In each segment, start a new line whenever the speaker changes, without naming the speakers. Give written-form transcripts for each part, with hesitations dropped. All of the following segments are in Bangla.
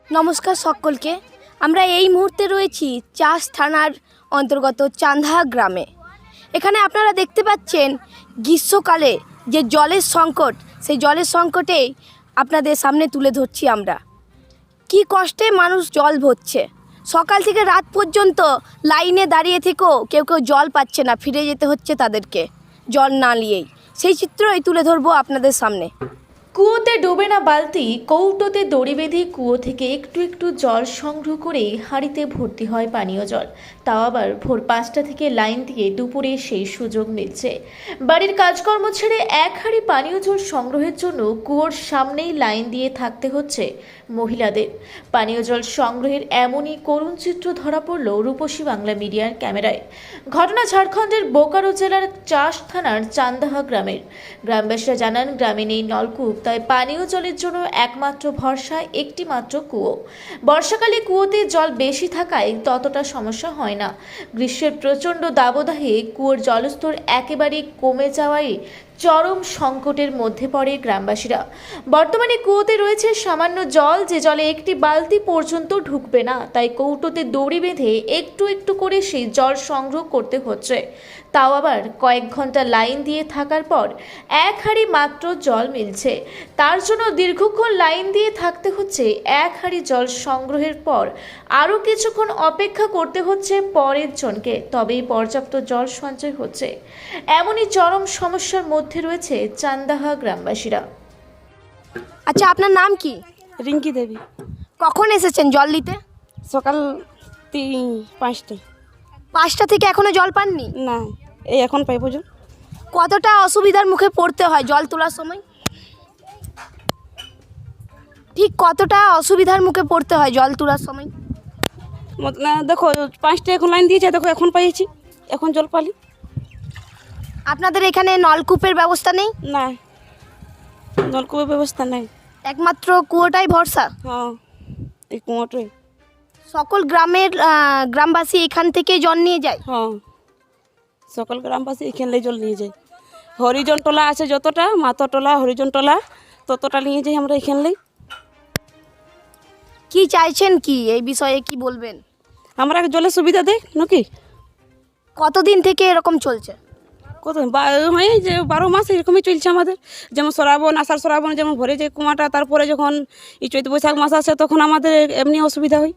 নমস্কার সকলকে। আমরা এই মুহূর্তে রয়েছি চাষ থানার অন্তর্গত চান্দাহা গ্রামে। এখানে আপনারা দেখতে পাচ্ছেন গ্রীষ্মকালে যে জলের সংকট, সেই জলের সংকটেই আপনাদের সামনে তুলে ধরছি আমরা। কি কষ্টে মানুষ জল ভরছে, সকাল থেকে রাত পর্যন্ত লাইনে দাঁড়িয়ে থেকেও কেউ কেউ জল পাচ্ছে না, ফিরে যেতে হচ্ছে তাদেরকে জল না নিয়েই। সেই চিত্রই তুলে ধরবো আপনাদের সামনে।
কুয়োতে ডোবে না বালতি, কৌটোতে দড়ি বেঁধে কুয়ো থেকে একটু একটু জল সংগ্রহ করে হাঁড়িতে ভর্তি হয় পানীয় জল। তাও আবার ভোর 5টা থেকে লাইন দিয়ে দুপুরে সেই সুযোগ মিলছে। বাড়ির কাজকর্ম ছেড়ে এক হাঁড়ি পানীয় জল সংগ্রহের জন্য কুয়োর সামনেই লাইন দিয়ে থাকতে হচ্ছে মহিলাদের। পানীয় জল সংগ্রহের এমনই করুণ চিত্র ধরা পড়ল রূপসী বাংলা মিডিয়ার ক্যামেরায়। ঘটনা ঝাড়খণ্ডের বোকারো জেলার চাষ থানার চান্দাহা গ্রামের। গ্রামবাসীরা জানান, গ্রামে নেই নলকূপ, তাই পানীয় জলের জন্য একমাত্র ভরসা একটি মাত্র কুয়ো। বর্ষাকালে কুয়োতে জল বেশি থাকায় ততটা সমস্যা হয় না। গ্রীষ্মের প্রচণ্ড দাবদাহে কুয়োর জলস্তর একেবারেই কমে যাওয়ায় চরম সংকটের মধ্যে পড়ে গ্রামবাসীরা। বর্তমানে কুয়োতে রয়েছে সামান্য জল, যে জলে একটি বালতি পর্যন্ত ঢুকবে না, তাই কৌটোতে দড়ি বেঁধে একটু একটু করে সেই জল সংগ্রহ করতে হচ্ছে। তাও আবার কয়েক ঘন্টা লাইন দিয়ে থাকার পর এক হাঁড়ি মাত্র জল মিলছে। তার জন্য দীর্ঘক্ষণ লাইন দিয়ে থাকতে হচ্ছে। এক হাঁড়ি জল সংগ্রহের পর আরও কিছুক্ষণ অপেক্ষা করতে হচ্ছে পরের জনকে, তবেই পর্যাপ্ত জল সঞ্চয় হচ্ছে। এমনই চরম সমস্যার মধ্যে রয়েছে চান্দাহা গ্রামবাসীরা।
আচ্ছা, আপনার নাম কি?
রিঙ্কি দেবী।
কখন এসেছেন জল নিতে?
সকাল 5টা।
5টা থেকে এখনো জল পাননি?
না, এই এখন পাইব জল।
কতটা অসুবিধার মুখে পড়তে হয় জল তোলার সময়? ঠিক কতটা অসুবিধার মুখে পড়তে হয় জল তোলার সময়?
না, দেখো 5টা এখন লাইন দিয়েছে, দেখো এখন পাইছি, এখন জল পালি।
আপনাদের এখানে নলকূপের ব্যবস্থা নেই?
না, নলকূপের ব্যবস্থা নাই,
একমাত্র কুয়োটাই ভরসা।
হ্যাঁ, এই কুয়োটাই।
সকল গ্রামবাসী এখান থেকে জল নিয়ে যায়?
হ্যাঁ, সকল গ্রামবাসী এখানে জল নিয়ে যায়। হরিজন টোলা আছে যতটা, মাতো টোলা, হরিজন টোলা ততটা নিয়ে যাই আমরা এখানে।
কি চাইছেন, কি এই বিষয়ে কি বলবেন?
আমরা জলের সুবিধা দেয় নাকি?
কতদিন থেকে এরকম চলছে?
কত হয় যে 12 মাস এরকমই চলছে আমাদের। যেমন শ্রাবণ, আষাঢ় শ্রাবণ যেমন ভরে যায় কুয়াটা, তারপরে যখন এই চৈত বৈশাখ মাস আসে তখন আমাদের এমনি অসুবিধা হয়।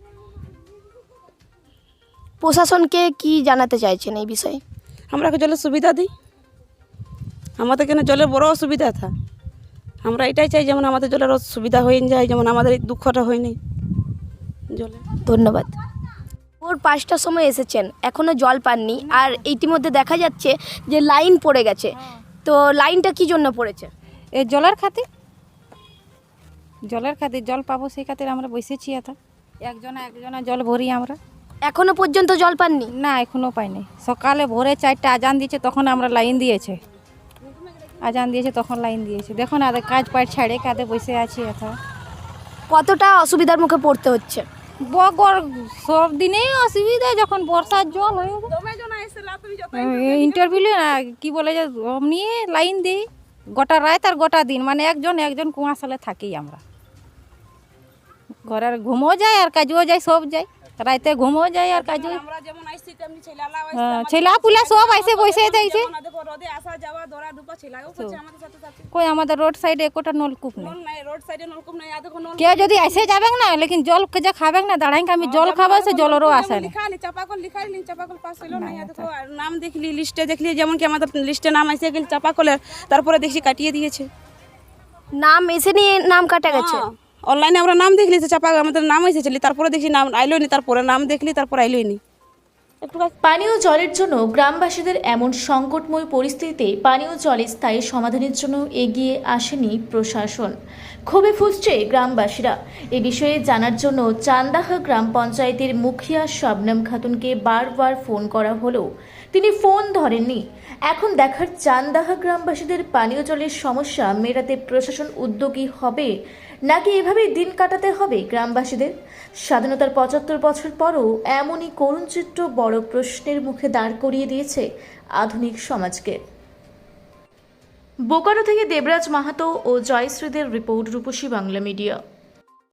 প্রশাসনকে কি জানাতে চাইছেন এই বিষয়ে?
আমরা জলের সুবিধা দিই, আমাদের কেন জলের বড় অসুবিধা থা। আমরা এটাই চাই যেমন আমাদের জলের সুবিধা হয়ে যায়, যেমন আমাদের এই দুঃখটা হয়নি জলে।
ধন্যবাদ। ভোর 5টার সময় এসেছেন, এখনও জল পাননি, আর ইতিমধ্যে দেখা যাচ্ছে যে লাইন পড়ে গেছে। তো লাইনটা কি জন্য পড়েছে?
এই জলের খাতির জল পাবো সেই খাতির আমরা বসেছি। একজনা জল ভরি আমরা।
এখনো পর্যন্ত জল পাননি?
না, এখনো পাইনি। সকালে ভোরে 4টা আজান দিয়েছে, তখন আমরা লাইন দিয়েছে। তখন লাইন দিয়েছে। দেখো না, কাজ পাট ছাড়ে কাঁধে বসে আছি।
কতটা অসুবিধার মুখে পড়তে হচ্ছে?
সব দিনেই অসুবিধা, যখন বর্ষার জল হয়ে ইন্টারভিউ কি বলে যে অমনি লাইন দিই গোটা রাত আর গোটা দিন, মানে একজন কুয়াশালে থাকি আমরা। ঘরের ঘুমও যায় আর কাজও যায়, সব যায়। রাতে ঘুমও যায় আর কাজও। ছেলা পুলা সব আইসে বসে যাইছে। কই আমাদের রোড সাইডে একটা নলকূপ নেই। কেউ যদি এসে যাবে না, লেকিন জল যা খাবে না, দাঁড়াই আমি জল খাবো, সে জলেরও আসে না।
নাম দেখলি, লিস্টে দেখলি, যেমন কি আমাদের লিস্টে নাম এসে গেল চাপাকলের, তারপরে দেখছি কাটিয়ে দিয়েছে।
নাম এসে নিয়ে নাম কাটা গেছে?
অনলাইনে আমরা নাম দেখলি, চাপা আমাদের নাম এসেছিলি, তারপরে দেখছি নাম আইলোই নি, তারপরে নাম দেখলি, তারপর আইলোই নি।
পানীয় জলের জন্য গ্রামবাসীদের এমন সংকটময় পরিস্থিতিতে পানীয় জলের স্থায়ী সমাধানের জন্য এগিয়ে আসেনি প্রশাসন। ক্ষোভে ফুঁসছে গ্রামবাসীরা। এ বিষয়ে জানার জন্য চান্দাহা গ্রাম পঞ্চায়েতের মুখিয়া শবনম খাতুনকে বারবার ফোন করা হলেও তিনি ফোন ধরেননি। এখন দেখার চান্দাহা গ্রামবাসীদের পানীয় জলের সমস্যা মেটাতে প্রশাসন উদ্যোগী হবে, নাকি এভাবেই দিন কাটাতে হবে গ্রামবাসীদের। স্বাধীনতার 75 বছর পরও এমনই করুণ চিত্র বড় প্রশ্নের মুখে দাঁড় করিয়ে দিয়েছে আধুনিক সমাজকে। বোকারো থেকে দেবরাজ মাহাতো ও জয়শ্রীদের রিপোর্ট, রূপসী বাংলা মিডিয়া।